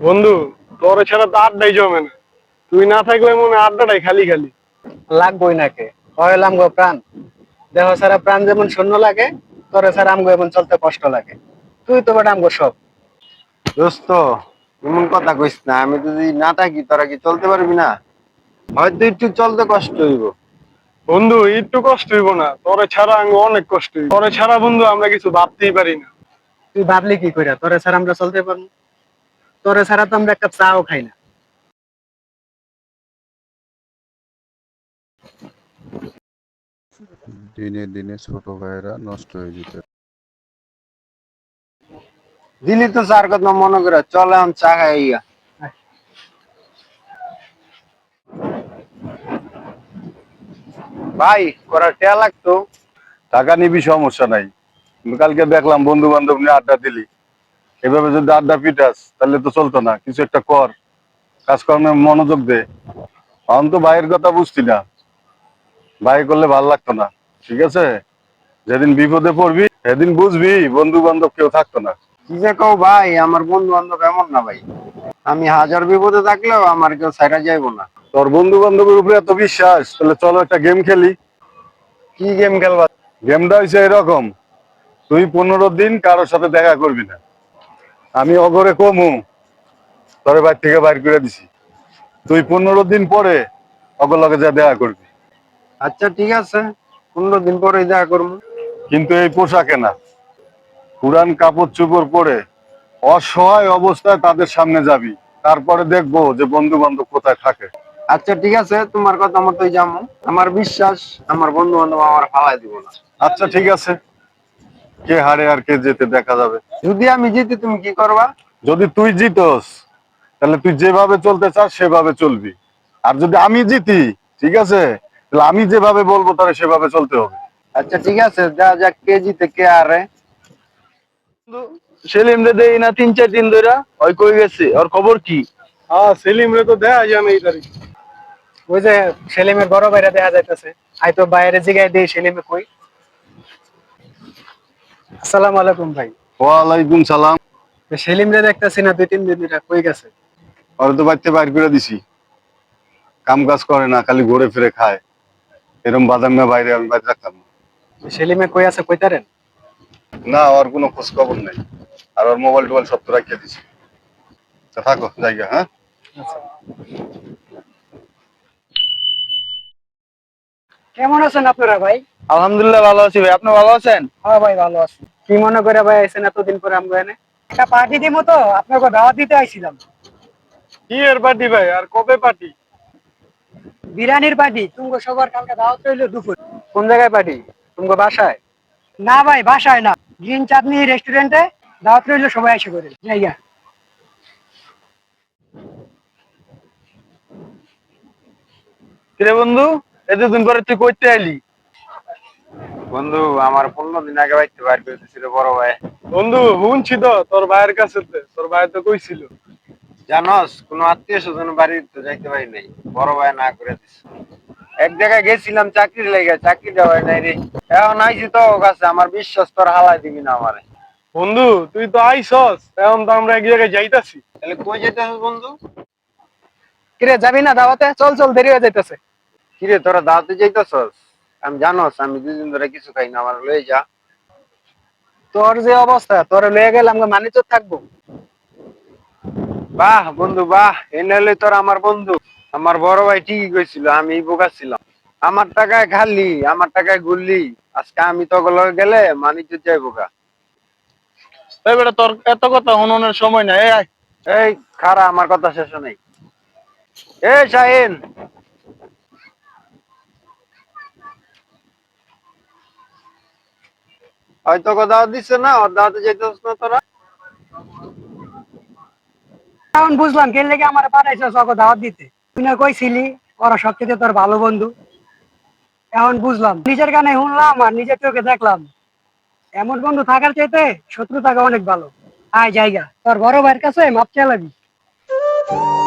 বন্ধু, তোর ছাড়া তো আড্ডাই জমে না। তুই না থাকলে মনে হয় আড্ডাটাই খালি খালি। লাগবই নাকে হইলাম গো প্রাণ। দেহ ছাড়া প্রাণ যেমন শূন্য লাগে, তোরে ছাড়া আমগো এমন চলতে কষ্ট লাগে। তুই তো বেটা আমগো সব। দোস্ত, এমন কথা কইস না। আমি যদি না থাকি তোরা কি চলতে পারবি না? হয়তো একটু চলতে কষ্ট হইব। বন্ধু, একটু কষ্ট হইব না? তোরে ছাড়া আমি অনেক কষ্ট হইব। তোরে ছাড়া বন্ধু আমরা কিছু ভাবতেই পারি না। তুই ভাবলি কি কইরা তোরে ছাড়া আমরা চলতে পারবো? তোরে ছাড়া তো আমরা একটা চাও খাই না। দিনে দিনে ছোট ভাইয়েরা নষ্ট হয়ে যেতে। দিলি তো চার কথা মনে করে চলে আমি চা খাইয়া। ভাই, করা টেয়া লাগতো। টাকা নিবি সমস্যা নাই, কিন্তু কালকে দেখলাম বন্ধু বান্ধব নিয়ে আড্ডা দিলি। এভাবে যদি আড্ডা পিটাস তাহলে তো চলতো না। কিছু একটা কর, কাজকর্মে মনোযোগ দে। এখন তো ভাইয়ের কথা বুঝছি না, ভাই করলে ভাল লাগতো না। ঠিক আছে, যেদিন বিপদে পড়বি সেদিন বুঝবি বন্ধু বান্ধব কেউ থাকতো না। কি যে কও ভাই, আমার বন্ধু বান্ধব এমন না ভাই। আমি হাজার বিপদে থাকলেও আমার কেউ ছাইরা যাইবো না। তোর বন্ধু বান্ধবের উপরে এত বিশ্বাস, তাহলে চলো একটা গেম খেলি। কি গেম খেলবা? গেমটা হয়েছে এরকম, তুই 15 দিন কারোর সাথে দেখা করবি না। আমি অগরে কমু তোর বাড়ি থেকে বাইর করে দিছি, তুই 15 দিন পরে অগলকে যা দেখা করবি। আচ্ছা ঠিক আছে, 15 দিন পরে দেখা করবো। কিন্তু এই পোশাকে না, পুরান কাপড় চোপড় পরে অসহায় অবস্থায় তাদের সামনে যাবি। তারপরে দেখবো যে বন্ধু বান্ধব কোথায় থাকে। আচ্ছা ঠিক আছে, তোমার কথা মতোই যাবো। আমার বিশ্বাস আমার বন্ধু বান্ধব আমার ফালাই দিব না। আচ্ছা ঠিক আছে, কে হারে আর কে জেতে দেখা যাবে। যদি আমি জিতি তুমি কি করবা? যদি তুই জিতস তাহলে তুই যেভাবে চলতে চাস সেভাবে চলবি। আর যদি আমি জিতি, ঠিক আছে, তাহলে আমি যেভাবে বলবো তাহলে সেভাবে চলতে হবে। আচ্ছা ঠিক আছে, যা যা, কে জিতে কে হারে। সেলিম রে দেই না 3-4 দিন ধরে। ওই কই গেছে? ওর খবর কি? হ্যাঁ, সেলিম রে তো দেখা যায় না এই তারিখ। ওই যে সেলিমের বড় ভাইরা দেখা যাইতেছে। আই তো বাইরে জিগাই দেই সেলিমে কই। আসসালামু আলাইকুম ভাই। ওয়ালাইকুম সালাম। সেলিম রে দেখতেছি না, 2-3 দিন এটা কই গেছে? ওরা তো বাড়িতে বাইর করে দিছি, কাম কাজ করে না, খালি ঘুরে ফিরে খায়। এরকম বাদাম না বাইরে আমি বাইরে রাখতাম না। সেলিমে কই আছে কইতারেন? না, ওর কোনো খোঁজ খবর নেই। আর ওর মোবাইল টোবাইল সব তো রাখিয়ে দিছি। তা থাকো জায়গা, হ্যাঁ। আচ্ছা। কেমন আছেন আপনারা ভাই? আলহামদুলিল্লাহ ভালো আছি ভাই, আপনি ভালো আছেন? হ্যাঁ ভাই ভালো আছি। কি মনে করে ভাই আইছেন এতদিন পরে আমরা এনে? একটা পার্টি দিমু তো, আপনাকে দাওয়াত দিতে আইছিলাম। কি এর পার্টি ভাই, আর কবে পার্টি? বিরিয়ানির পার্টি, তুমগো সবার কালকে দাওয়াত রইলো দুপুর। কোন জায়গায় পার্টি? তুমগো বাসায়? না ভাই বাসায় না, গ্রিন চাঁদনি রেস্টুরেন্টে দাওয়াত রইলো, সবাই এসে করে জায়গা। কিরে বন্ধু, এতদিন পরে তুই কইতে আইলি? বন্ধু, আমার 15 দিন আগে বাইতে বাইর করে দিছিল বড় ভাই। বন্ধু শুনছি তো তোর ভাইয়ের কাছে, তোর ভাই তো কইছিল। জানস, কোন আত্মীয় স্বজন বাড়িতে যাইতে পারি নাই, বড় ভাই না করে দিছে। এক জায়গায় গেছিলাম চাকরির লেগে, চাকরি দেওয়াই নাই রে। এখন আইছি তো ওর কাছে, আমার বিশ্বাস তোর হালাই দিবি না আমারে। বন্ধু তুই তো আইসস, এখন তো আমরা এক জায়গায় যাইতাছি। তাহলে কই যেতে হবে বন্ধু? কিরে যাবি না দাওয়াতে? চল চল, দেরি হয়ে যাইতেছে। কিরে, তোরা দাওয়াতে যাইতেছস? আমি জানস আমি 2 দিন ধরে কিছু খাই না, আমার লয়ে যা। তোর যে অবস্থা, তোর লয়ে গেলে আমরা মানিত থাকবো? বাহ বন্ধু বাহ, এনে হলে তোর আমার বন্ধু। আমার বড় ভাই ঠিকই কইছিল, আমি বোকা ছিলাম। আমার টাকায় খালি, আমার টাকায় ঘুরলি। আজকে আমি তো গেলে মানিজ্য যাই বোকা। এই বেটা, তোর এত কথা শুনানোর সময় নাই, এই আয়। এই খারা, আমার কথা শেষ নেই। এই শাহিন, হয়তো দাওয়াত দিচ্ছে না, ওর দাওয়াতে যাইতেছ না তোরা? এখন বুঝলাম কে লেগে আমার পাঠাইছো ওকে দাওয়াত দিতে। তুই না কইছিলি ওরা সবচেয়ে তোর ভালো বন্ধু। এখন বুঝলাম, নিজের কানে শুনলাম আর নিজের চোখে দেখলাম, এমন বন্ধু থাকার চাইতে শত্রু থাকা অনেক ভালো। আয় জায়গা, তোর বড় ভাইয়ের কাছে মাপ চালাবি।